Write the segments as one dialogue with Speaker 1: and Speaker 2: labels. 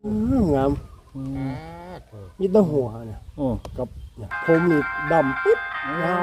Speaker 1: งามมีแต่หัวเนี่ยกับเนี่ยผมนี่ดำปึ๊ดเงา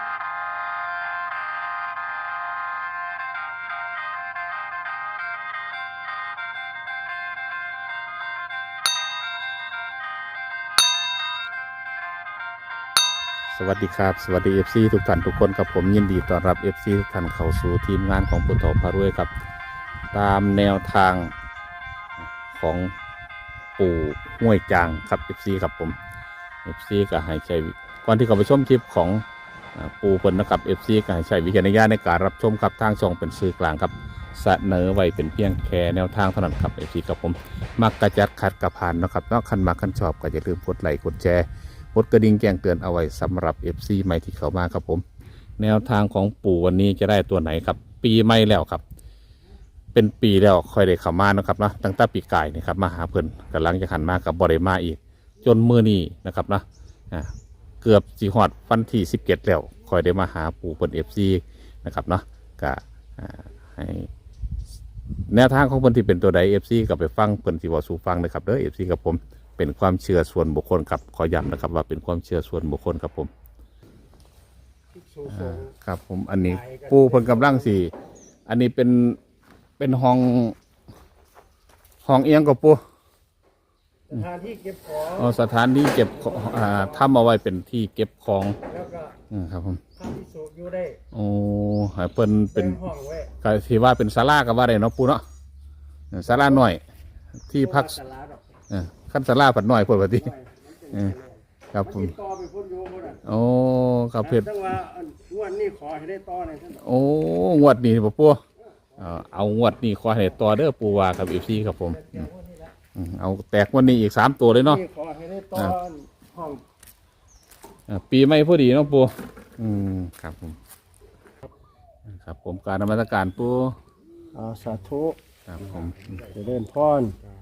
Speaker 2: สวัสดีครับสวัสดี FC ทุกท่านทุกคนครับผมยินดีต้อนรับ FC ทุกท่านเข้าสู่ทีมงานของปุถโธพารวยครับตามแนวทางของปู่ห้วยจางครับ FC ครับผม FC ก็ให้ใช้ก่อนที่เขาไปชมคลิปของปู่เพิ่นนะครับ FC ก็ให้ใช้วิจารณญาณในการรับชมครับทางช่องเป็นสื่อกลางครับเสนอไว้เป็นเพียงแค่แนวทางเท่านั้นครับ FC ครับผมมักกระจัดขัดกระผ่านนะครับนอกคันมาคันชอบก็อย่าลืมกดไลค์กดแชร์กดกระดิ่งแจ้งเตือนเอาไว้สำหรับ FC ใหม่ที่เข้ามาครับผมแนวทางของปู่วันนี้จะได้ตัวไหนครับปีใหม่แล้วครับเป็นปีแล้วค่อยได้เข้ามานะครับนะตั้งแต่ปีกายนี่ครับมาหาเพิ่นกำลังจะหันมากับบริมาอีกจนมื้อนี้นะครับนะเกือบสิฮอดวันที่17แล้วค่อยได้มาหาปู่เพิ่น FC นะครับเนาะก็ให้แนวทางของเพิ่นที่เป็นตัวใด FC ก็ไปฟังเพิ่นสิเว้าสู่ฟังนะครับเด้อ FC กับผมเป็นความเชื่อส่วนบุคคลครับขอย้ำนะครับว่าเป็นความเชื่อส่วนบุคคลครับผมครับผมอันนี้ปูเพิ่นกำลังสี่อันนี้เป็นห้องเอียงกับปู
Speaker 1: สถานที่เก็บของ
Speaker 2: สถานที่เก็บทำเอาไว้เป็นที่เก็บของ
Speaker 1: แล้วก็
Speaker 2: ครับผม
Speaker 1: ทำที่สูบอยู่ได้
Speaker 2: โอ้ให้เพิ่นเป็น
Speaker 1: ห้องไว้
Speaker 2: ก็ที่ว่าเป็นศาลาก็ว่าได้เนาะปูเนาะศาลาหน่อยที่พักขั้นศาลาผัดหน่อยพอดีครับผมโอ้ครับเพชร
Speaker 1: จังว่างวดนี้ขอให้ได้ต่อหน่อยท่าน
Speaker 2: โอ้งวดนี้ป่ะปูเอางวดนี้ขอให้ได้ต่อเด้อปูว่ากับFCครับผมเอาแตกวันนี้อีก3ตัวเลยเนาะ
Speaker 1: ขอให้ได้ต่อห้อง
Speaker 2: ปีใหม่พอดีเนาะปูครับผมครับผมการนมัสการปู
Speaker 1: สาธุ
Speaker 2: ครับผม
Speaker 1: จะเดินพร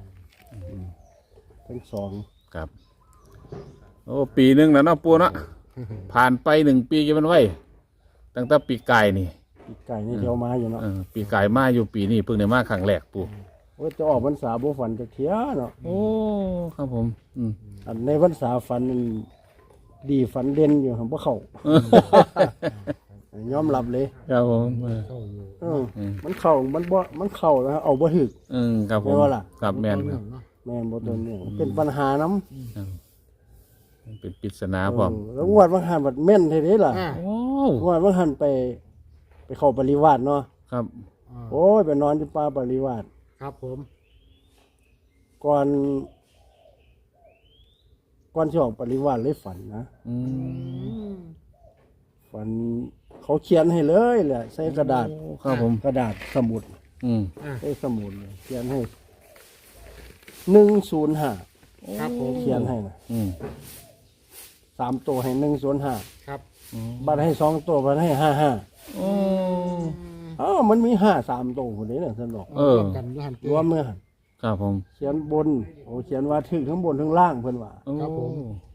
Speaker 1: ทั้งสอง
Speaker 2: ครับโอ้ปีหนึ่งแล้วเนาะปูเนาะผ่านไป1 ปีจะมันไว้ตั้งแต่ปีไก่นี่
Speaker 1: ปีไก่นี่เที่ยวมาอยู่เนาะ
Speaker 2: ปีไก่มาอยู่ปีนี้เพิ่งได้มาครั้งแรกปู
Speaker 1: โอ้จะออกพรรษาบ่ฝันจะเที่ยเนาะ
Speaker 2: โอ้ครับผม
Speaker 1: อันในพรรษาฝันดีฝันเด่นอยู่ของพวกเขายอมรับเลย
Speaker 2: ครับผม
Speaker 1: มันเข่ามันเข่าแล้วเอาบ่ถึก
Speaker 2: ครับผมครับแมน
Speaker 1: บ่ตัวนี้เป็นปัญหาน้ำ
Speaker 2: เป็นปริศนาพร้อม
Speaker 1: แล้วงวดบางหันบัดแม่นเท่นี้ล่ะงวดบางหันไปเข้าปริวาสเนาะ
Speaker 2: ครับ
Speaker 1: โอ้ยไปนอนที่ป่าปริวาส
Speaker 3: ครับผม
Speaker 1: ก่อนที่ออกปริวาสเลยฝันนะฝันเขาเขียนให้เลยแหละใส่กระดาษ
Speaker 2: ครับผม
Speaker 1: กระดาษสมุดใส่สมุดเลยเขียนให้105
Speaker 3: ครับผม
Speaker 1: เขียนให้นะ3 ตัวให้105
Speaker 3: ครับ
Speaker 1: บัตรให้2 ตัวบัตรให้55มันมี3 ตัวคนนี้เนี่ยท่านบอกรวมเมื่อหัน
Speaker 2: ครับผม
Speaker 1: เขียนบนเขียนว่าถึงทั้งบนทั้งล่างเพิ่นว่า
Speaker 3: ครับผม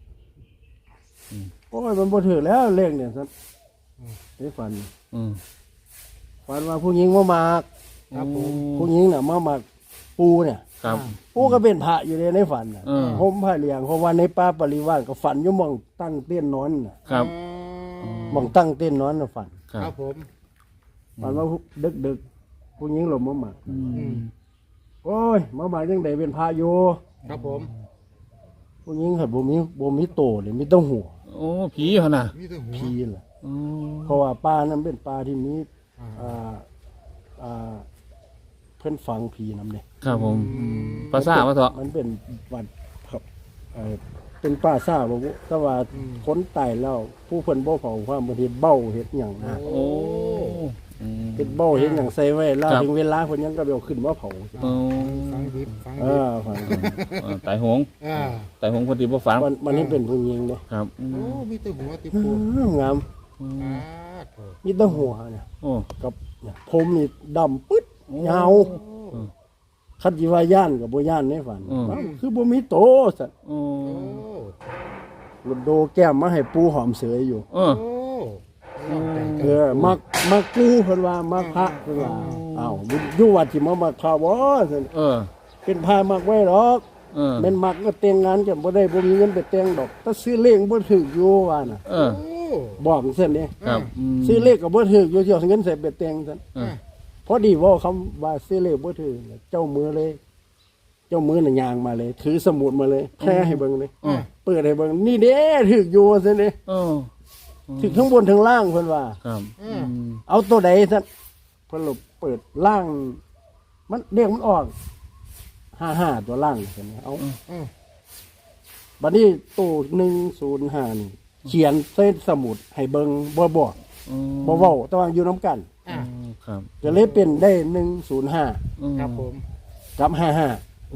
Speaker 1: โอ้ยมันบ่ถือแล้วเลขเนี่ยท่านได้ฝันว่าผู้หญิงมามาก
Speaker 3: ครับผม
Speaker 1: ผู้หญิงน่ะมามากปูเนี่ย
Speaker 2: ครับ
Speaker 1: ปูก็เป็นพระอยู่ในฝันน่ะห่มผ้าเหลืองเพราะว่าในป่าปริวาสก็ฝันอยู่มองตั้งเต้นนอนน่ะ
Speaker 2: ครับ
Speaker 1: มองตั้งเต้นนอนน่ะฝัน
Speaker 3: ครับผม
Speaker 1: ฝันว่าดึกผู้หญิงหลบมามากโอ้ยมามากจังได๋เป็นพระอยู่
Speaker 3: ครับผม
Speaker 1: ผู้หญิงเฮ็ดบ่มีโตเลยมีแต่หัว
Speaker 2: โอ้ผีเหรอน่ะ
Speaker 1: ผีล่ะเพราะว่าป่านั้นเป็นป่าที่มีเพิ่นฝังผีนำเด้
Speaker 2: ครับผมภาษาว่าเถาะ
Speaker 1: มันเป็นวัดครับเป็นป่าซ่าบ่แต่ว่าคนตายแล้วผู้เพิ่นบ่เผาความบางทีเบ้าเฮ็ดหยังนะ
Speaker 2: โอ้
Speaker 1: เป็นเบ้าเฮ็ดหยังใส่ไว้แล้วถึงเวลาเพิ่นยังก็เอาขึ้นมาเผา
Speaker 3: ฟังดิบ
Speaker 1: ฟัง
Speaker 2: ตายหงตายหงคนที่บ่ฝัง
Speaker 1: มันนี่เป็นผู้หญิงเด้
Speaker 2: ครับ
Speaker 3: โอ้มีแต่หัวติปู
Speaker 1: งามมีแต่หัวเนี่ยกับผมนี่ดำปึ๊ดยาวคันสิว่าย่านก็บ่ย่านในฝันคือบ่มีโตซั่นรถโดแก้มมาให้ปูหอมเสยอยู่มักปูเพิ่นว่ามักพระเพิ่นว่าอ้าวอยู่วัดสิมามักพระบ่ซั่นเป็นพระมักไว้หรอกแม่นมักก็แต่งงานกันบ่ได้บ่มีเงินไปแต่งดอกถ้าซื้อเลขบ่ถูกอยู่ว่าน่ะ
Speaker 2: เออ
Speaker 3: โอ้
Speaker 1: บอกซั่นเด้
Speaker 2: ครับม
Speaker 1: ซื้อเลขก็บ่ถูกอยู่สิเอาเงินใส่ไปแต่งซั่น
Speaker 2: เออ
Speaker 1: พอดีเว้าคำว่าซื้อเลขบ่ถูกเจ้ามือเลย เจ้ามือน่ะย่างมาเลย ถือสมุดมาเลยแค่ให้เบิ่งเลย
Speaker 2: อืม
Speaker 1: เปิดให้เบิ่งนี่เด้ถูกอยู่ซั่นเด้
Speaker 2: เออ
Speaker 1: ถูกทั้งบนทั้งล่างเพิ่นว่า
Speaker 2: ครับม
Speaker 1: เอาตัวใดซั่นเพิ่นลบเปิดล่าง มันเรียกมันออก55ตัวล่างซั่นเอา
Speaker 3: อืม
Speaker 1: บัดนี้ตู้105นี่เขียนใส่สมุดให้เบิ่งบ่บอก
Speaker 2: อืม
Speaker 1: บ่เว้าแต่ว่าอยู่นํกัน
Speaker 3: อ่ะ
Speaker 2: ครับ
Speaker 1: ก็เลยเป็นได้105
Speaker 2: อืม
Speaker 3: ครับผม
Speaker 1: กับ
Speaker 3: โอ้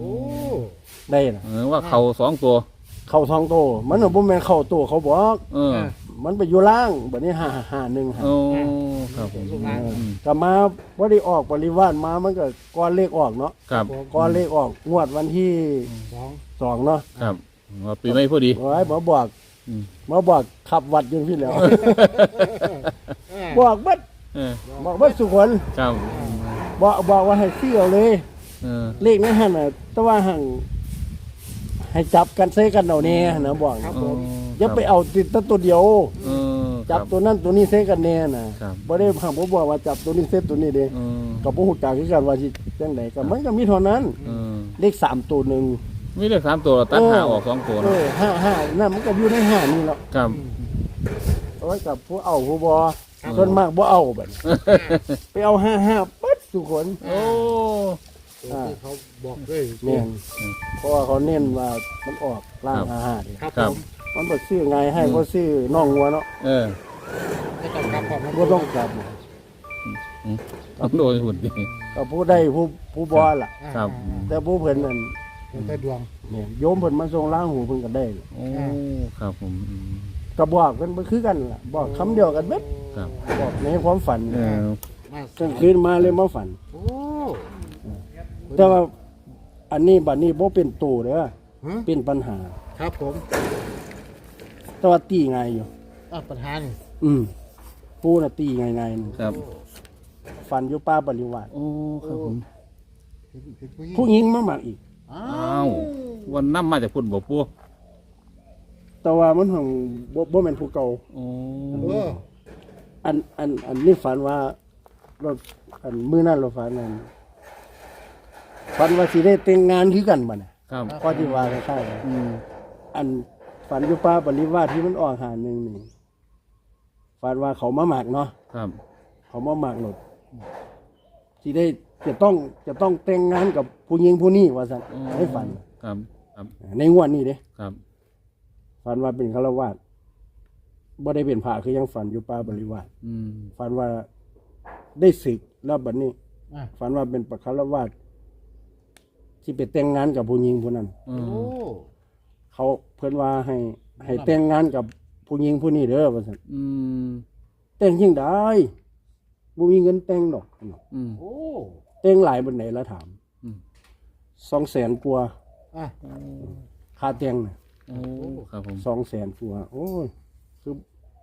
Speaker 1: 55ได้น่ะ
Speaker 2: ว่าเขาสองตัว
Speaker 1: เข้าทองโตมันน่ะบ่แม่นเข้าตัวเขาบอก
Speaker 2: เออ
Speaker 1: มันไปอยู่ล่างบัดนี้551
Speaker 2: โอ้ครับผม
Speaker 3: ลูกหลาน
Speaker 2: อืม
Speaker 1: ก็มาบ่ได้ออกบริวารมามันก็ก่อนเลขออกเนาะ
Speaker 2: ครับ
Speaker 3: ผม
Speaker 1: ก่อนเลขออกงวดวันที่
Speaker 3: สอง
Speaker 1: 2เนาะ
Speaker 2: ครับว่าปีไม่พอดี
Speaker 1: โอ้ยบ่บอก
Speaker 2: อืม
Speaker 1: มาบอกขับวัดอยู่พี่แล้ว
Speaker 3: เออ
Speaker 1: บอกเบัด
Speaker 2: เออ
Speaker 1: บอกเบัดสุขน
Speaker 2: ครับ
Speaker 1: บอกว่าให้ซื้อเอาเลย
Speaker 2: เออ
Speaker 1: เลขนั้นหั่นน่ะแต่ว่าหั่งให้จับกันใส่กันเอาแน่นะบอก
Speaker 3: ครับผม
Speaker 1: อย่าไปเอาติดแต่ตัวเดียว
Speaker 2: เออ
Speaker 1: จับตัวนั้นตัวนี้ใส่กันแน่น่ะบ่ได้หั่งบ่บอกว่าจับตัวนี้ใส่ตัวนี้เด้
Speaker 2: เออ
Speaker 1: ก็บ่ฮู้จักคือกันว่าสิจังไดก็มันก็มีเท่านั้น
Speaker 2: เออ
Speaker 1: เลข3ตัวหนึง
Speaker 2: มีเลข3ตัวตัดห้าออก2ตัว
Speaker 1: เอ
Speaker 2: เนาะ
Speaker 1: อ55นั่นมันก็อยู่ใน5นี่แหล้ว
Speaker 2: ครับ
Speaker 1: เอาไว้กับผู้เอาผู้บ่ส่วนมากบ่เอาบัดนี้ไปเอา55ปั๊ดสุคน
Speaker 2: โอ้
Speaker 3: ตัวที่เขาบอกด้วย
Speaker 1: แม่นเพราะว่าเขาเน้นว่ามันออกล่าง55นี่
Speaker 3: ครับผม
Speaker 1: มันบ่ซื้อไงให้บ่ซื้อน้องงัวเนาะ
Speaker 2: เออ
Speaker 3: ไม่ต้องกลับพร้อมนะ
Speaker 1: บ่ต้องกลับ
Speaker 2: ต้องโดนหุ่นดิ
Speaker 1: ก็ผู้ใดผู้บ่ล่ะ
Speaker 2: ครับ
Speaker 1: แต่ผู้เพิ่นนั่น
Speaker 3: เป็นแต่ดวง
Speaker 1: เนี่ยโยมเพิ่นมาส่งล้างหูเพิ่นก็ได้
Speaker 2: โอ้ครับผมอืม
Speaker 1: ก็บอกเพิ่นบ่คือกันล่ะบอกคำเดียวกันเบิด
Speaker 2: ครับ
Speaker 1: บอกในความฝัน
Speaker 2: เออ
Speaker 3: มาก
Speaker 1: ลางคืนมาเลยมาฝัน
Speaker 3: โอ้
Speaker 1: แต่ว่าอันนี้บัดนี้บ่เป็นตูเด้อ
Speaker 3: ฮะ
Speaker 1: เป็นปัญหา
Speaker 3: ครับผม
Speaker 1: แต่ว่าตีง่ายอยู่
Speaker 3: ปัญหานี่
Speaker 1: ผู้น่ะตีง่ายๆนี่
Speaker 2: ครับ
Speaker 1: ฝันอยู่ป่าบริวาร
Speaker 2: โอ้ครับผม
Speaker 3: เป็นผู้หญิง
Speaker 1: ผู้หญิงมาหมักอีก
Speaker 3: อ้า
Speaker 2: อ้าววันน้ำมาจากพุ่นบ่ปู
Speaker 1: แต่ว่ามันของบ่แม่นผู้เก่า
Speaker 2: โอ้
Speaker 3: เออ
Speaker 1: อันนี้ฝันว่าเราอันมื้อนั้นเราฝันนั้นฝันว่าสิได้แต่งงานคือกันบัดน่ะ
Speaker 2: ครับ
Speaker 1: ก็ที่ว่าคล้ายๆกัน
Speaker 2: อืม
Speaker 1: อันฝันอยู่ป่าบริวารที่มันออกหาหนึงนี่ฝันว่าเขามาหมักเนาะ
Speaker 2: ครับ
Speaker 1: เขามาหมักหลดสิได้จะต้องแต่งงานกับผู้หญิงผู้นี้ว่าซั่นให้ฝัน
Speaker 2: ครับครับ
Speaker 1: ในงวดนี้เด้
Speaker 2: ครับ
Speaker 1: ฝันว่าเป็นฆราวาสบ่ได้เป็นพระคือยังฝันอยู่ป่าบริวาร
Speaker 2: อืม
Speaker 1: ฝันว่าได้ศึกแล้วบัดนี้
Speaker 3: อ่ะ
Speaker 1: ฝันว่าเป็นปฆราวาสที่ไปแต่งงานกับผู้หญิงผู้นั้น
Speaker 2: อื
Speaker 3: โอ้
Speaker 2: ม
Speaker 1: เขาเพิ่นว่าให้แต่งงานกับผู้หญิงผู้นี้เด้อว่าซั่น
Speaker 2: อืม
Speaker 1: แต่งยิ่งได้บ่มีเงินแต่งดอก
Speaker 2: อืม
Speaker 3: โอ้
Speaker 1: แต่งหลายบันไหนละถาม
Speaker 2: อืม
Speaker 1: 200,000กว่า
Speaker 3: อ่ะ
Speaker 1: ค่าแต่งน่ะ
Speaker 2: โอ้ครับผม
Speaker 1: 200,000กว่าโอ้ยคือ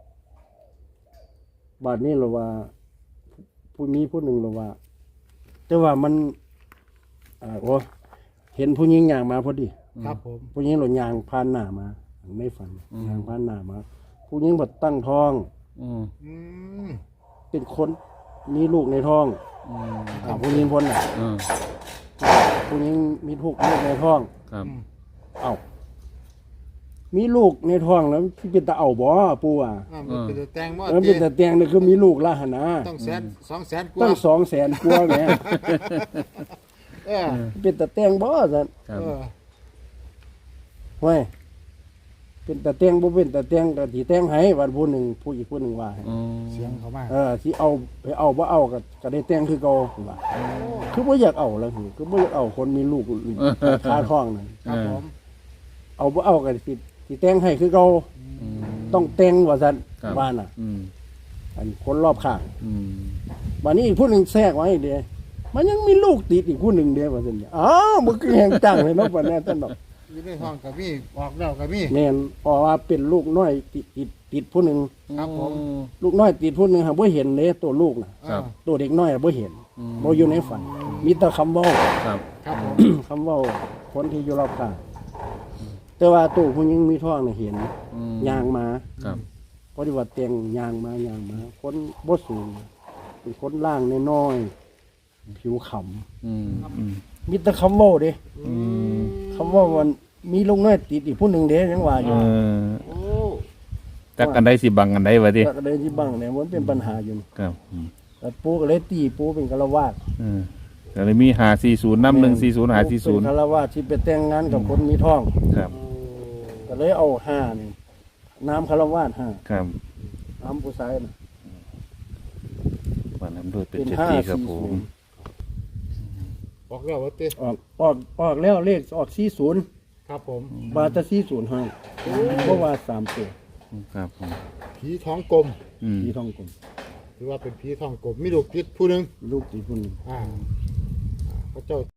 Speaker 1: บัดนี้เราว่า ผู้มีผู้หนึ่งเราว่า แต่ว่ามันโอ้เห็นผู้หญิงย่างมาพอดี
Speaker 3: ครับผม
Speaker 1: ผู้หญิงหล่นยางผ่านหน้ามาในฝันยางผ่านหน้ามา ผู้หญิงบดตั้งท้อง
Speaker 2: อืม
Speaker 3: อืม
Speaker 1: เป็นคนมีลูกในท้อง
Speaker 2: อืม
Speaker 1: ผู้หญิงพ้นน่ะ
Speaker 2: อืม
Speaker 1: ผู้หญิงมีลูกในท้อง
Speaker 2: ครับ
Speaker 1: เอ้ามีลูกในท้องแล้วที่เป็นตาเอาบ่ปู่อ่ะ
Speaker 3: มันเป็นแต่แตงบ่
Speaker 1: มันเป็นแต่เตียงนี่คือมีลูกละหนนะ
Speaker 3: ต้อง200,000กว่า
Speaker 1: ตั้ง200,000กว่าแหม
Speaker 3: เออ
Speaker 1: เป็นแต่เตียงบ่ซั่น
Speaker 2: ครับ
Speaker 3: เออ
Speaker 1: ห้วยเป็นแต่เตียงบ่เป็นแต่เตียงก็สิแต่งให้วันผู้หนึ่งผู้อีกผู้หนึ่งว่าให้
Speaker 2: อืม
Speaker 3: เสียงเขามา
Speaker 1: สิเอาไปเอาบ่เอาก็ได้แต่งคือเก่าว่าคือบ่อยากเอาแล้วคือบ่อยากเอาคนมีลูกคาท้องนั่น
Speaker 3: ครับผม
Speaker 1: เอาบ่เอาก็สิแต่งให้คือเก่า
Speaker 2: อืม
Speaker 1: ต้องแต่งว่าซั่น
Speaker 2: ครับ
Speaker 1: บ้านน่ะ
Speaker 2: อืม
Speaker 1: อันคนรอบข้าง
Speaker 2: อืม
Speaker 1: บัดนี้อีกผู้หนึงแทรกไว้เด้มันยังมีลูกติดอีกผู้หนึงเด้ว่าซั่นอ้าวบ่คือแห่งจังเลยเนาะบัดนี้ท่านดอก
Speaker 3: อยู่ในห้องกับมีออกแล้วกับมี
Speaker 1: แม่นเพราะว่าเป็นลูกน้อยติดผู้หนึง
Speaker 3: ครับผม
Speaker 1: ลูกน้อยติดผู้หนึงหาบ่เห็นเลยตัวลูกน่ะ
Speaker 2: ครับ
Speaker 1: ตัวเด็กน้อยบ่เห็นบ่อยู่ในฝันมีแต่คำเว้า
Speaker 2: ครับ
Speaker 3: ครับผม
Speaker 1: คำเว้าคนที่อยู่รอบข้างแต่ว่าตัวผู้หญิงมีท้องน่ะเห็นย่างมา
Speaker 2: ครับ
Speaker 1: เพราะที่ว่าแต่งย่างมาคนบ่สูงเป็นคนล่างน้อยๆผิวขำ
Speaker 2: อืมอืม
Speaker 1: มีแต่คำเว้าเด้
Speaker 2: อืม
Speaker 1: คำว่ามันมีลูกน้อยติดอีกผู้หนึ่งเด้ยังว่าอยู่
Speaker 3: โอ้
Speaker 2: จักกันได้สิบังกันได้วะดิ
Speaker 1: แต่ก็เลยที่บ้างเนี่ยมันเป็นปัญหาอยู่
Speaker 2: ครับอืม
Speaker 1: แต่ปูก็เลยตีปูเป็นฆราวาส
Speaker 2: แต่เลยมี540น้ำ140
Speaker 1: เป็นฆราวาสที่ไปแต่งงานกับคนมีท้อง
Speaker 2: ครับ
Speaker 1: ก็เลยเอา5นี่น้ำฆราวาส
Speaker 2: ครับ
Speaker 1: 5น้ำผู้ชายน่ะ
Speaker 2: วันนั้นด้วยเป็น
Speaker 1: เป็น
Speaker 2: เจ็ด
Speaker 1: ห้า
Speaker 2: ปีครับผม
Speaker 3: ออกแล้ววะเต้
Speaker 1: ออกแล้วเลขออก40
Speaker 3: ครับผม
Speaker 1: บาทจะ40ให้เพราะว่า3ตัว
Speaker 2: ครับผม
Speaker 3: ผีท้องกลม
Speaker 2: อืม
Speaker 1: ผีท้องกลม
Speaker 3: ถือว่าเป็นผีท้องกลมมีลูกติดผู้หนึ่ง
Speaker 1: ลูกติดผู้หนึง
Speaker 3: พระเจ้า